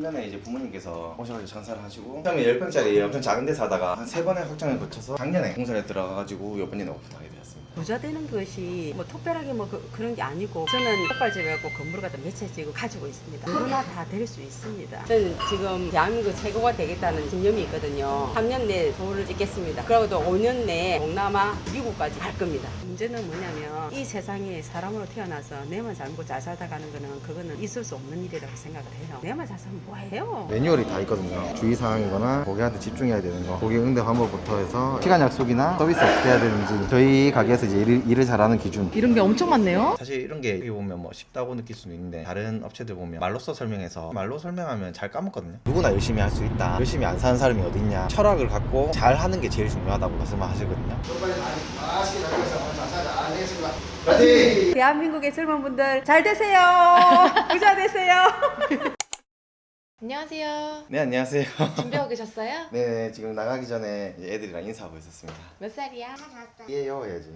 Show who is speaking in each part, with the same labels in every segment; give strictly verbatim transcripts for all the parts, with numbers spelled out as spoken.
Speaker 1: 년에 이제 부모님께서 오셔가지고 장사를 하시고 처음에 십 평짜리 엄청 작은 데서 하다가 한 세 번의 확장을 거쳐서 작년에 공사에 들어가가지고 이번에 오픈하게 되었습니다.
Speaker 2: 부자 되는 것이 뭐 특별하게 뭐 그, 그런 게 아니고 저는 족발집하고 건물을 갖다 몇 채 지금 가지고 있습니다. 누구나 다 될 수 있습니다. 저는 지금 대한민국 최고가 되겠다는 신념이 있거든요. 삼 년 내에 도를 찍겠습니다. 그리고 또 오 년 내에 동남아, 미국까지 갈 겁니다. 문제는 뭐냐면 이 세상에 사람으로 태어나서 내만 잘 먹고 잘 살다 가는 거는 그거는 있을 수 없는 일이라고 생각을 해요. 내만 잘 살면 뭐해요?
Speaker 3: 매뉴얼이 다 있거든요. 주의사항이거나 고객한테 집중해야 되는 거, 고객 응대 방법부터 해서 시간 약속이나 서비스 어떻게 해야 되는지 저희 가게에서 이제 일을, 일을 잘하는 기준.
Speaker 4: 이런 게 엄청 많네요.
Speaker 1: 사실 이런 게 여기 보면 뭐 쉽다고 느낄 수는 있는데 다른 업체들 보면 말로써 설명해서 말로 설명하면 잘 까먹거든요. 누구나 열심히 할 수 있다. 열심히 안 사는 사람이 어딨냐. 철학을 갖고 잘 하는 게 제일 중요하다고 말씀하시거든요.
Speaker 2: 대한민국의 젊은 분들 잘 되세요. 부자 되세요.
Speaker 4: 안녕하세요.
Speaker 1: 네, 안녕하세요.
Speaker 4: 준비하고 계셨어요?
Speaker 1: 네, 지금 나가기 전에 이제 애들이랑 인사하고 있었습니다.
Speaker 4: 몇 살이야?
Speaker 1: 예요 해야지.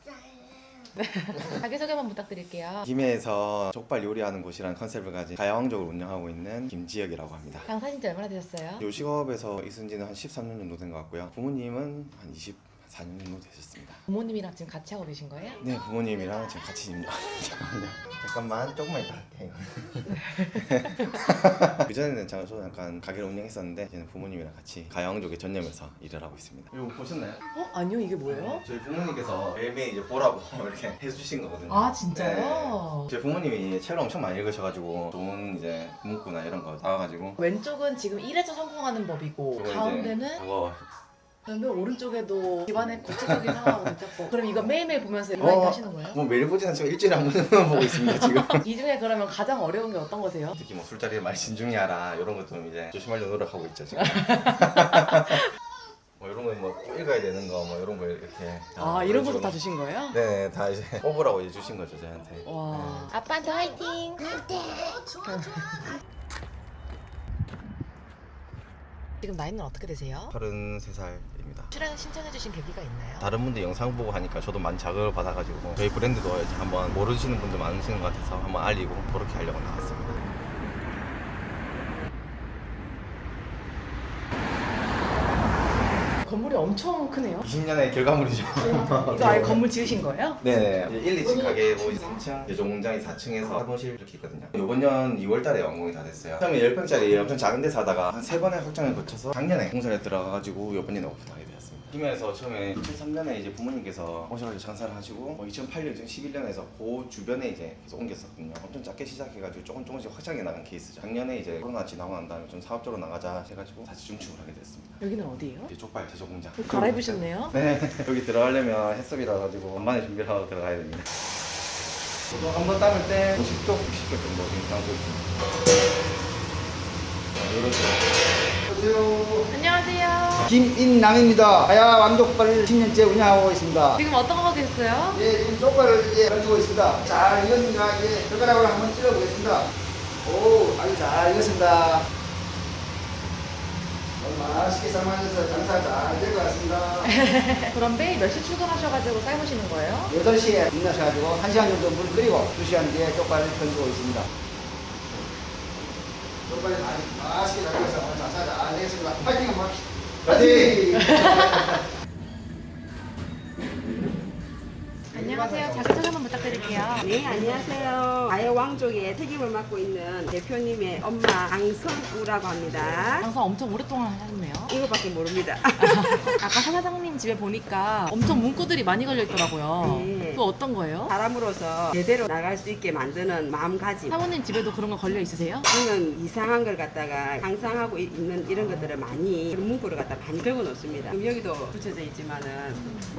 Speaker 4: 자기소개만 부탁드릴게요.
Speaker 1: 김해에서 족발 요리하는 곳이라는 컨셉을 가진 가야왕족을 운영하고 있는 김지혁이라고 합니다.
Speaker 4: 장사신 지 얼마나 되셨어요?
Speaker 1: 요식업에서 있은 지는 한 십삼 년 정도 된 것 같고요. 부모님은 한 이십사 년 정도 되셨습니다.
Speaker 4: 부모님이랑 지금 같이 하고 계신 거예요?
Speaker 1: 네, 부모님이랑 지금 같이 있는 잠깐만요. 잠깐만, 조금만 이따 할게요. 그전에는 제가 저도 약간 가게를 운영했었는데 이제는 부모님이랑 같이 가야왕족에 전념해서 일을 하고 있습니다. 이거 보셨나요?
Speaker 4: 어? 아니요, 이게 뭐예요?
Speaker 1: 저희 부모님께서 매일매일 이제 보라고 이렇게 해주신 거거든요.
Speaker 4: 아, 진짜요?
Speaker 1: 네. 저희 부모님이 책을 엄청 많이 읽으셔가지고 좋은 이제 문구나 이런 거 나와가지고
Speaker 4: 왼쪽은 지금 일에서 성공하는 법이고
Speaker 1: 그거 이제
Speaker 4: 가운데는
Speaker 1: 그거
Speaker 4: 그러면 오른쪽에도 집안의 구체적인 상황하고 대처법. 그럼 이거 매일매일 보면서 많이
Speaker 1: 어.
Speaker 4: 하시는 거예요?
Speaker 1: 뭐 매일 보지는 않지만 일주일에 한 번은 보고 있습니다 지금.
Speaker 4: 이 중에 그러면 가장 어려운 게 어떤 거세요?
Speaker 1: 특히 뭐 술자리에 많이 진중히 하라 이런 것 좀 이제 조심하려고 노력하고 있죠 지금. 뭐 이런 거 뭐 읽어야 되는 거 뭐 이런 거 이렇게
Speaker 4: 아, 이런 것도 다 주신 거예요?
Speaker 1: 네, 다 이제 뽑으라고 이제 주신 거죠 저한테.
Speaker 4: 와. 아빠한테 화이팅! 지금 나이는 어떻게 되세요?
Speaker 1: 서른세 살입니다.
Speaker 4: 출연 신청해주신 계기가 있나요?
Speaker 1: 다른 분들 영상 보고 하니까 저도 많이 자극을 받아가지고 저희 브랜드도 이제 한번 모르시는 분들 많으신 것 같아서 한번 알리고 그렇게 하려고 나왔습니다.
Speaker 4: 건물이 엄청 크네요.
Speaker 1: 이십 년의 결과물이죠.
Speaker 4: 이거 아예 건물 지으신 거예요?
Speaker 1: 네네. 이제 일, 이 층 가게고 이제 삼 층, 제조 공장이 사 층에서 사무실 이렇게 있거든요. 이번 년 이월 달에 완공이 다 됐어요. 처음에 십 평짜리 엄청 작은 데서 하다가 한 세 번의 확장을 거쳐서 작년에 공사에 들어가가지고 이번에 오픈하게 되었습니다. 김해에서 처음에 이천삼 년에 이제 부모님께서 오셔가지고 장사를 하시고 뭐 이천팔 년, 이천십일 년에서 그 주변에 이제 계속 옮겼었거든요. 엄청 작게 시작해가지고 조금 조금씩 확장해 나간 케이스죠. 작년에 이제 코로나 지나고 난 다음에 좀 사업적으로 나가자 해가지고 다시 중축을 하게 됐습니다.
Speaker 4: 여기는 어디예요?
Speaker 1: 이제 족발 제조 공장.
Speaker 4: 갈아입으셨네요?
Speaker 1: 네, 여기 들어가려면 해썹이라 가지고 간만에 준비를 하고 들어가야 됩니다. 저도 한번 담을 때 오십 쪽, 육십 쪽 정도 지금 담고 있습니다.
Speaker 3: 안녕하세요.
Speaker 4: 안녕하세요.
Speaker 3: 김인남입니다. 가야 왕족발을 십 년째 운영하고 있습니다.
Speaker 4: 지금 어떤 거 하고 계셨어요?
Speaker 3: 예, 지금 족발을 이제 가지고 있습니다. 잘 익었는가 이제 젓가락으로 한번 찔러보겠습니다. 오, 아주 잘 익었습니다. 오늘 맛있게 삶아져서 장사 잘 될 것 같습니다.
Speaker 4: 그럼 매일 몇 시 출근하셔가지고 삶으시는 거예요?
Speaker 3: 여덟 시에 일어나셔가지고 한 시간 정도 물 끓이고 두 시간 뒤에 족발을 던지고 있습니다. 족발이 아주 맛있게 잘 익어서 오늘 장사 잘 되겠습니다. 파이팅 한번 합시다. 파이팅!
Speaker 4: 안녕하세요. 자기소개 한번 부탁드릴게요.
Speaker 2: 네, 안녕하세요. 가야왕족의 책임을 맡고 있는 대표님의 엄마 강선우라고 합니다.
Speaker 4: 장사 엄청 오랫동안 하셨네요.
Speaker 2: 이거밖에 모릅니다.
Speaker 4: 아까 사장님 집에 보니까 엄청 문구들이 많이 걸려 있더라고요.
Speaker 2: 네.
Speaker 4: 또 어떤 거예요?
Speaker 2: 사람으로서 제대로 나갈 수 있게 만드는 마음가짐.
Speaker 4: 사모님 집에도 그런 거 걸려 있으세요?
Speaker 2: 저는 이상한 걸 갖다가 상상하고 이- 있는 이런 것들을 많이 그런 문구를 갖다 많이 적어 놓습니다. 그럼 여기도 붙여져 있지만은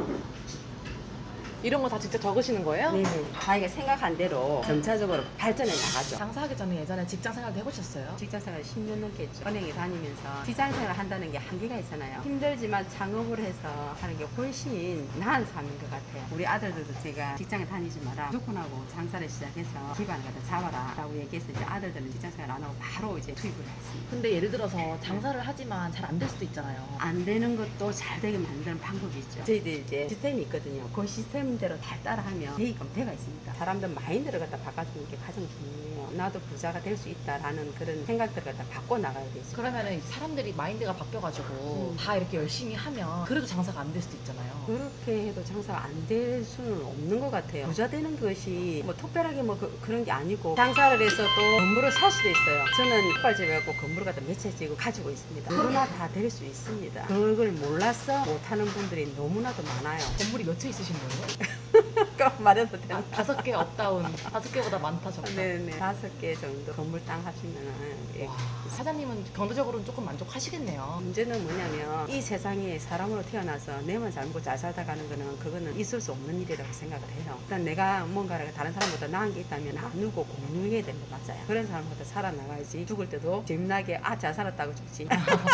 Speaker 4: 이런 거 다 직접 적으시는 거예요?
Speaker 2: 네, 자기가 생각한 대로 점차적으로 발전해 나가죠.
Speaker 4: 장사하기 전에 예전에 직장 생활도 해보셨어요?
Speaker 2: 직장생활 십 년 넘게 했죠. 은행에 다니면서 직장생활 한다는 게 한계가 있잖아요. 힘들지만 창업을 해서 하는 게 훨씬 나은 삶인 것 같아요. 우리 아들들도 제가 직장에 다니지 마라. 무조건 하고 장사를 시작해서 기반을 갖다 잡아라 라고 얘기해서 이제 아들들은 직장생활 안 하고 바로 이제 투입을 했습니다.
Speaker 4: 근데 예를 들어서 장사를 하지만 잘 안 될 수도 있잖아요.
Speaker 2: 안 되는 것도 잘 되게 만드는 방법이 있죠. 저희들 이제 시스템이 있거든요. 그 시스템 마음대로 잘 따라하면 되게끔 돼가 있습니다. 사람들 마인드를 갖다 바꿔주는 게 가장 중요해요. 나도 부자가 될 수 있다라는 그런 생각들을 갖다 바꿔 나가야 되죠.
Speaker 4: 그러면은 사람들이 마인드가 바뀌어가지고
Speaker 2: 음.
Speaker 4: 다 이렇게 열심히 하면 그래도 장사가 안 될 수도 있잖아요.
Speaker 2: 그렇게 해도 장사가 안 될 수는 없는 것 같아요. 부자 되는 것이 뭐 특별하게 뭐 그, 그런 게 아니고 장사를 해서 또 건물을 살 수도 있어요. 저는 족발집에 갖고 건물을 갖다 몇 채 지고 가지고 있습니다. 누구나 다 될 수 있습니다. 그걸 몰라서 못하는 분들이 너무나도 많아요.
Speaker 4: 건물이 몇 채 있으신 거예요?
Speaker 2: 그럼 말해도 되나?
Speaker 4: 아, 다섯 개 업다운. 다섯 개보다 많다 적다.
Speaker 2: 네네. 다섯 개 정도 건물 땅 하시면은 예.
Speaker 4: 와, 사장님은 경제적으로는 조금 만족하시겠네요.
Speaker 2: 문제는 뭐냐면 이 세상에 사람으로 태어나서 내만 잘 먹고 잘 살다 가는 거는 그거는 있을 수 없는 일이라고 생각을 해요. 일단 내가 뭔가를 다른 사람보다 나은 게 있다면 나누고 공유해야 되는 거 맞아요. 그런 사람보다 살아나가야지. 죽을 때도 재미나게 아 잘 살았다고 죽지.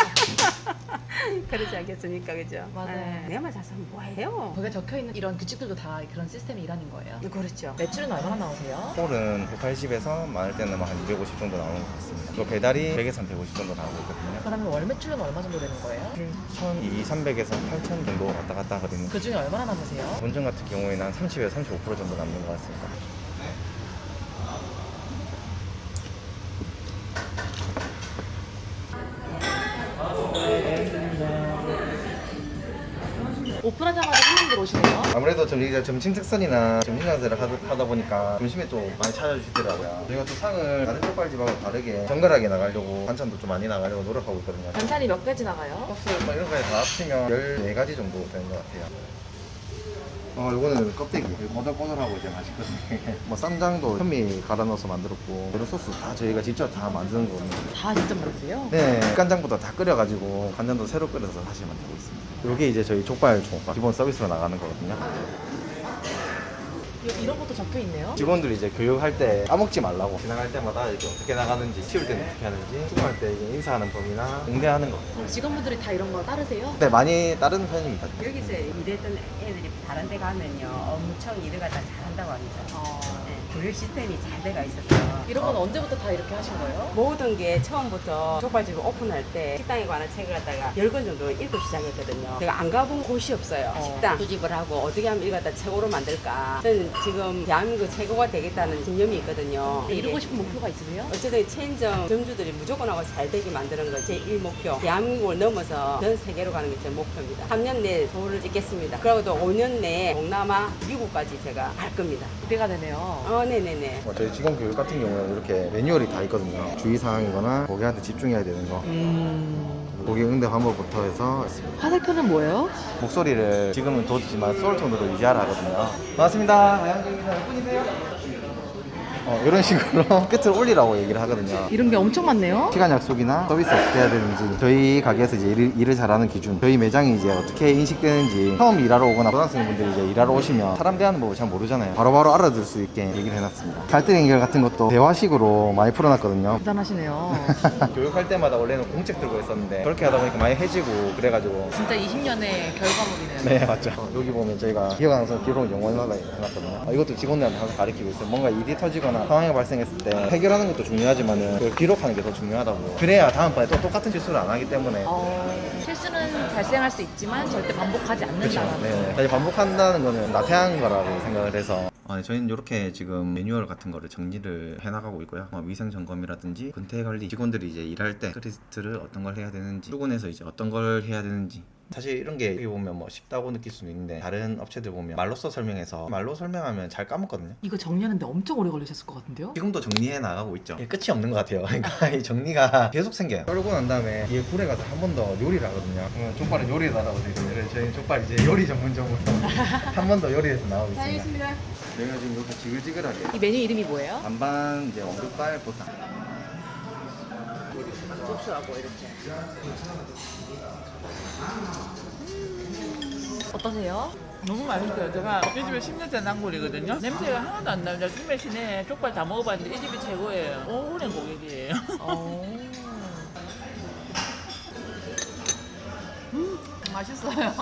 Speaker 2: 그러지 않겠습니까, 그죠?
Speaker 4: 맞아요.
Speaker 2: 예, 내만 잘 살면 뭐해요?
Speaker 4: 거기에 적혀있는 이런 규칙들도 다 그런 시스템이 일하는 거예요.
Speaker 2: 그렇죠.
Speaker 4: 매출은 얼마나 나오세요?
Speaker 1: 홀은 백팔십에서 많을 때는 뭐 한 이백오십 정도 나오는 것 같습니다. 또 배달이 백에서 백오십 정도 나오고 있거든요.
Speaker 4: 그러면 월 매출은 얼마 정도 되는 거예요?
Speaker 1: 천이백, 삼백에서 팔천 정도 왔다 갔다 하거든요.
Speaker 4: 그 중에 얼마나 남으세요?
Speaker 1: 본점 같은 경우에는 한 삼십에서 삼십오 퍼센트 정도 남는 것 같습니다.
Speaker 4: 오픈하자마자 손님들 오시네요.
Speaker 1: 아무래도 좀 여기가 점심 특선이나 점심 장사를 하다, 하다 보니까 점심에 또 많이 찾아주시더라고요. 저희가 또 상을 다른 족발집하고 다르게 정갈하게 나가려고 반찬도 좀 많이 나가려고 노력하고 있거든요.
Speaker 4: 반찬이 몇 가지 나가요?
Speaker 1: 소스 뭐 이런 거에 다 합치면 열네 가지 정도 되는 것 같아요. 어, 이거는 껍데기. 꼬들꼬들하고 이제 맛있거든요. 뭐 쌈장도 현미 갈아 넣어서 만들었고 이런 소스 다 저희가 직접 다 만드는 거거든요.
Speaker 4: 다 직접 만드세요?
Speaker 1: 네, 간장부터 다 끓여가지고 간장도 새로 끓여서 다시 만들고 있습니다. 이게 이제 저희 족발 종밥 기본 서비스로 나가는 거거든요.
Speaker 4: 이- 이런 것도 적혀 있네요.
Speaker 1: 직원들이 이제 교육할 때 까먹지 말라고 지나갈 때마다 이렇게 어떻게 나가는지 치울 때는 어떻게 하는지 수고할 때 이제 인사하는 법이나 응대하는 거.
Speaker 4: 그럼 직원분들이 다 이런 거 따르세요?
Speaker 1: 네, 많이 따르는 편입니다.
Speaker 2: 여기서 일했던 애들이 다른 데 가면요 엄청 일을 갖다 잘한다고 합니다.
Speaker 4: 어,
Speaker 2: 네, 교육 시스템이 잘 돼가 있어서
Speaker 4: 이런 건 언제부터 다 이렇게 하신 거예요?
Speaker 2: 모든 게 처음부터 족발집을 오픈할 때 식당에 관한 책을 갖다가 열 권 정도 읽고 시작했거든요. 제가 안 가본 곳이 없어요.
Speaker 4: 어.
Speaker 2: 식당 수집을 하고 어떻게 하면 이걸 갖다 최고로 만들까. 저는 지금 대한민국 최고가 되겠다는 신념이 있거든요.
Speaker 4: 이루고 싶은 목표가 있으세요?
Speaker 2: 어쨌든 체인점 점주들이 무조건 하고 잘 되게 만드는 건 제 일 목표. 대한민국을 넘어서 전 세계로 가는 게 제 목표입니다. 삼 년 내에 도를 찍겠습니다. 그리고 또 오 년 내에 동남아, 미국까지 제가 갈 겁니다.
Speaker 4: 기대가 되네요.
Speaker 2: 어, 네네네.
Speaker 3: 뭐 저희 직원 교육 같은 경우는 이렇게 매뉴얼이 다 있거든요. 주의사항이거나 고객한테 집중해야 되는 거,
Speaker 4: 음...
Speaker 3: 고객 응대 방법부터 해서 있습니다.
Speaker 4: 화살표는 뭐예요?
Speaker 1: 목소리를 지금은 돋지만 소울톤으로 유지하라 하거든요. 반갑습니다. 아양경입니다. 몇 분이세요? 어, 이런 식으로 끝을 올리라고 얘기를 하거든요.
Speaker 4: 이런 게 엄청 많네요.
Speaker 3: 시간 약속이나 서비스 어떻게 해야 되는지, 저희 가게에서 이제 일을, 일을 잘하는 기준, 저희 매장이 이제 어떻게 인식되는지, 처음 일하러 오거나 고등학생분들이 이제 일하러 오시면 사람 대하는 법을 잘 모르잖아요. 바로바로 알아들 수 있게 얘기를 해놨습니다. 갈등 해결 같은 것도 대화식으로 많이 풀어놨거든요.
Speaker 4: 대단하시네요.
Speaker 1: 교육할 때마다 원래는 공책 들고 있었는데 그렇게 하다 보니까 많이 해지고 그래가지고
Speaker 4: 진짜 이십 년의 결과물이네요.
Speaker 1: 네 맞죠.
Speaker 3: 어, 여기 보면 저희가 기억 항상 기록 영원하다 해놨거든요.
Speaker 1: 어, 이것도 직원들한테 항상 가르치고 있어요. 뭔가 일이 터지거나 상황이 발생했을 때 해결하는 것도 중요하지만은 그걸 기록하는 게 더 중요하다고. 그래야 다음번에 또 똑같은 실수를 안 하기 때문에.
Speaker 4: 어, 실수는 발생할 수 있지만 절대 반복하지
Speaker 1: 그렇죠.
Speaker 4: 않는다.
Speaker 1: 네. 다시 반복한다는 거는 나태한 거라고 생각을 해서. 아, 네, 저희는 이렇게 지금 매뉴얼 같은 거를 정리를 해나가고 있고요. 뭐 위생 점검이라든지 근태 관리, 직원들이 이제 일할 때 크리스트를 어떤 걸 해야 되는지, 출근해서 이제 어떤 걸 해야 되는지. 사실 이런 게 여기 보면 뭐 쉽다고 느낄 수는 있는데 다른 업체들 보면 말로써 설명해서 말로 설명하면 잘 까먹거든요.
Speaker 4: 이거 정리하는데 엄청 오래 걸리셨을 것 같은데요?
Speaker 1: 지금도 정리해 나가고 있죠. 이게 끝이 없는 것 같아요. 그러니까 이 정리가 계속 생겨요. 썰고 난 다음에 뒤에 굴에 가서 한 번 더 요리를 하거든요. 어, 족발은 요리에다라고 되어 있어요. 저희 족발 이제 요리 전문점으로 한 번 더 요리해서 나오고 있습니다. 저희가 지금 이렇게 지글지글하게
Speaker 4: 이 메뉴 이름이 뭐예요?
Speaker 1: 반반 이제 왕족발 보쌈.
Speaker 2: 국수하고 이렇게.
Speaker 4: 어떠세요?
Speaker 5: 너무 맛있어요. 제가 이 집에 십 년째 난골이거든요. 냄새가 하나도 안 나요. 김해 시내 족발 다 먹어봤는데 이 집이 최고예요. 오랜 고객이에요.
Speaker 4: 어... 음, 맛있어요.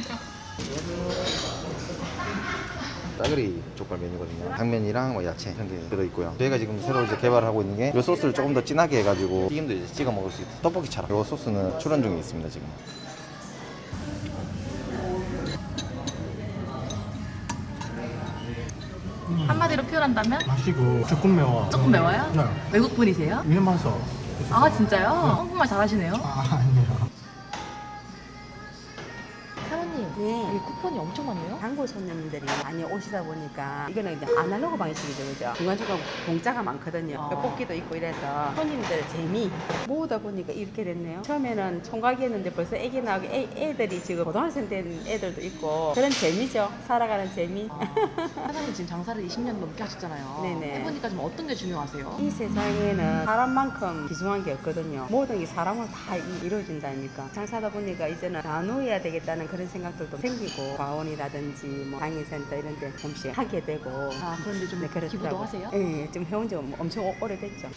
Speaker 3: 짜글이 족발 메뉴거든요. 당면이랑 뭐 야채 이런 게 들어있고요. 저희가 지금 새로 이제 개발하고 있는 게 이 소스를 조금 더 진하게 해가지고 튀김도 이제 찍어 먹을 수 있어요. 떡볶이처럼. 이 소스는 출원 중에 있습니다 지금.
Speaker 4: 한마디로 표현한다면?
Speaker 6: 맛이고 조금 매워.
Speaker 4: 조금 매워요?
Speaker 6: 네.
Speaker 4: 외국 분이세요?
Speaker 6: 일마서.
Speaker 4: 아 진짜요? 한국말 잘하시네요.
Speaker 6: 아 아니에요.
Speaker 4: 사모님,
Speaker 2: 네.
Speaker 4: 여기 쿠폰이 엄청 많네요.
Speaker 2: 단골 손님들이 많이 오시다 보니까 이거는 이제 아날로그 방식이죠, 그죠? 중간중간 공짜가 많거든요.
Speaker 4: 아.
Speaker 2: 뽑기도 있고 이래서 손님들 재미 모으다 보니까 이렇게 됐네요. 처음에는 총각이었는데 벌써 애기 나오고 애, 애들이 지금 고등학생 된 애들도 있고 그런 재미죠. 살아가는 재미.
Speaker 4: 아, 사장님 지금 장사를 이십 년 넘게 하셨잖아요.
Speaker 2: 네네.
Speaker 4: 해보니까 좀 어떤 게 중요하세요?
Speaker 2: 이 세상에는 사람만큼 귀중한 게 없거든요. 모든 게 사람으로 다 이- 이루어진다니까. 장사하다 보니까 이제는 나누어야 되겠다는 그런 생각들도 생기고 과원이라든지 뭐 장애센터 이런 데 잠시 하게 되고.
Speaker 4: 아 그런데 좀
Speaker 2: 네, 그렇더라고요.
Speaker 4: 기부도 하세요?
Speaker 2: 예, 지금 해온 지 엄청 오- 오래됐죠.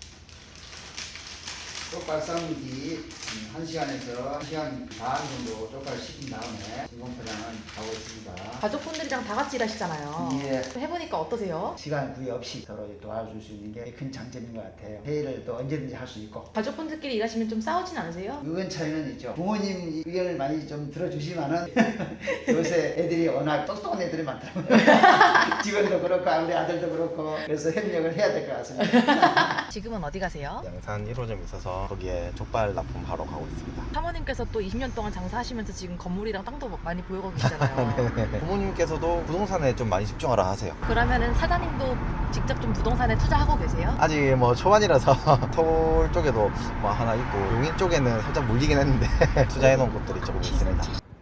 Speaker 7: 쪽발 삶기 한 시간에서 한 시간 반 정도 쪽발 식힌 다음에 진공 포장은 하고 있습니다.
Speaker 4: 가족분들이랑 다 같이 일하시잖아요.
Speaker 7: 예.
Speaker 4: 해보니까 어떠세요?
Speaker 7: 시간 구애 없이 서로 도와줄 수 있는 게 큰 장점인 것 같아요. 회의를 또 언제든지 할 수 있고.
Speaker 4: 가족분들끼리 일하시면 좀 싸우진 않으세요?
Speaker 7: 의견 차이는 있죠. 부모님 의견을 많이 좀 들어주시면은 요새 애들이 워낙 똑똑한 애들이 많더라고요. 직원도 그렇고 우리 아들도 그렇고 그래서 협력을 해야 될 것 같습니다.
Speaker 4: 지금은 어디 가세요?
Speaker 3: 양산 일 호점 있어서 거기에 족발 납품하러 가고 있습니다.
Speaker 4: 사모님께서 또 이십 년 동안 장사하시면서 지금 건물이랑 땅도 많이 보유하고 계시잖아요.
Speaker 3: 부모님께서도 부동산에 좀 많이 집중하라 하세요.
Speaker 4: 그러면은 사장님도 직접 좀 부동산에 투자하고 계세요?
Speaker 3: 아직 뭐 초반이라서 서울 쪽에도 뭐 하나 있고 용인 쪽에는 살짝 물리긴 했는데 투자해 놓은 곳들이 조금 있습니다.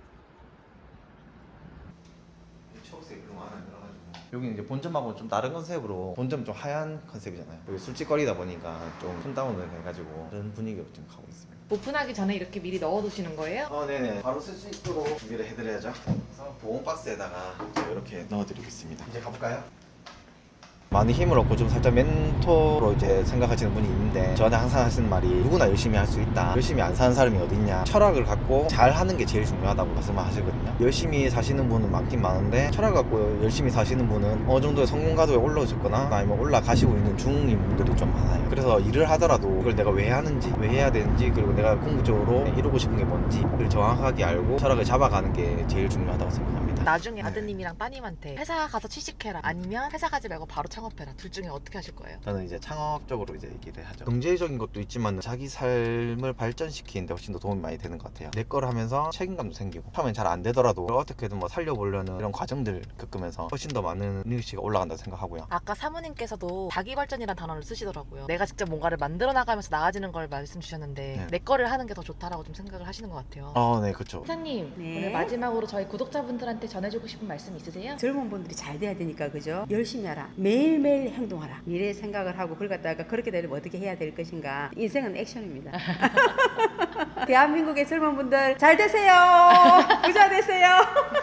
Speaker 3: 여기 이제 본점하고 좀 다른 컨셉으로 본점 좀 하얀 컨셉이잖아요. 여기 술집거리다 보니까 좀 톤다운을 해가지고 그런 분위기로 좀 가고 있습니다.
Speaker 4: 오픈하기 전에 이렇게 미리 넣어두시는 거예요?
Speaker 3: 어, 네네. 바로 쓸 수 있도록 준비를 해드려야죠. 그래서 보온 박스에다가 이렇게 넣어드리고 있습니다. 이제 가볼까요? 많이 힘을 얻고 좀 살짝 멘토로 이제 생각하시는 분이 있는데 저한테 항상 하시는 말이 누구나 열심히 할 수 있다. 열심히 안 사는 사람이 어딨냐. 철학을 갖고 잘 하는 게 제일 중요하다고 말씀을 하시거든요. 열심히 사시는 분은 많긴 많은데 철학 갖고 열심히 사시는 분은 어느 정도의 성공 가도에 올라오셨거나 아니면 올라가시고 있는 중인 분들이 좀 많아요. 그래서 일을 하더라도 이걸 내가 왜 하는지 왜 해야 되는지 그리고 내가 궁극적으로 이루고 싶은 게 뭔지를 정확하게 알고 철학을 잡아가는 게 제일 중요하다고 생각합니다.
Speaker 4: 나중에
Speaker 3: 네.
Speaker 4: 아드님이랑 따님한테 회사 가서 취직해라 아니면 회사 가지 말고 바로 창업해라 둘 중에 어떻게 하실 거예요?
Speaker 3: 저는 이제 창업적으로 이제 얘기를 하죠. 경제적인 것도 있지만 자기 삶을 발전시키는데 훨씬 더 도움이 많이 되는 것 같아요. 내 걸 하면서 책임감도 생기고 처음엔 잘 안 되더라도 어떻게든 뭐 살려보려는 이런 과정들 겪으면서 훨씬 더 많은 능력치가 올라간다고 생각하고요.
Speaker 4: 아까 사모님께서도 자기 발전이라는 단어를 쓰시더라고요. 내가 직접 뭔가를 만들어 나가면서 나아지는 걸 말씀 주셨는데
Speaker 3: 네.
Speaker 4: 내 거를 하는 게 더 좋다라고 좀 생각을 하시는 것 같아요.
Speaker 3: 어, 네, 그렇죠.
Speaker 4: 사장님
Speaker 2: 네.
Speaker 4: 오늘 마지막으로 저희 구독자분들한테 전해주고 싶은 말씀 있으세요?
Speaker 2: 젊은 분들이 잘 돼야 되니까 그죠? 열심히 하라. 매일매일 행동하라. 미래 생각을 하고 그걸 갖다가 그렇게 되려면 어떻게 해야 될 것인가. 인생은 액션입니다. 대한민국의 젊은 분들 잘 되세요. 부자 되세요.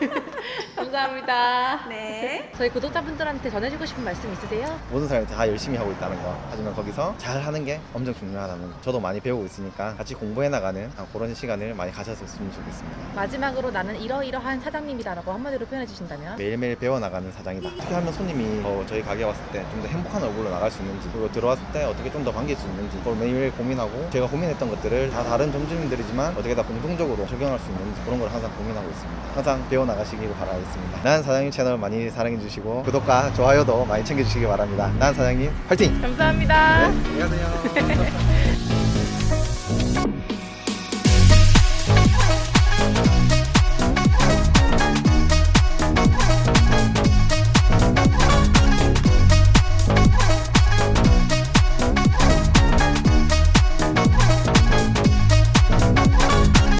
Speaker 4: 감사합니다.
Speaker 2: 네.
Speaker 4: 저희 구독자분들한테 전해주고 싶은 말씀 있으세요?
Speaker 3: 모든 사람이 다 열심히 하고 있다는 거. 하지만 거기서 잘 하는 게 엄청 중요하다는 거. 저도 많이 배우고 있으니까 같이 공부해 나가는 그런 시간을 많이 가졌으면 좋겠습니다.
Speaker 4: 마지막으로 나는 이러이러한 사장님이다라고 한마디로 표현해 주신다면?
Speaker 3: 매일매일 배워나가는 사장이다. 어떻게 하면 손님이 더 저희 가게 왔을 때 좀 더 행복한 얼굴로 나갈 수 있는지 그리고 들어왔을 때 어떻게 좀 더 반길 수 있는지 그걸 매일매일 고민하고 제가 고민했던 것들을 다 다른 점주님들이지만 어떻게 다 공통적으로 적용할 수 있는지 그런 걸 항상 고민하고 있습니다. 항상 배워나가시길 바라겠습니다. 난 사장님 채널 많이 사랑해주시고 구독과 좋아요도 많이 챙겨주시기 바랍니다. 난 사장님 화이팅!
Speaker 4: 감사합니다.
Speaker 3: 네, 안녕하세요.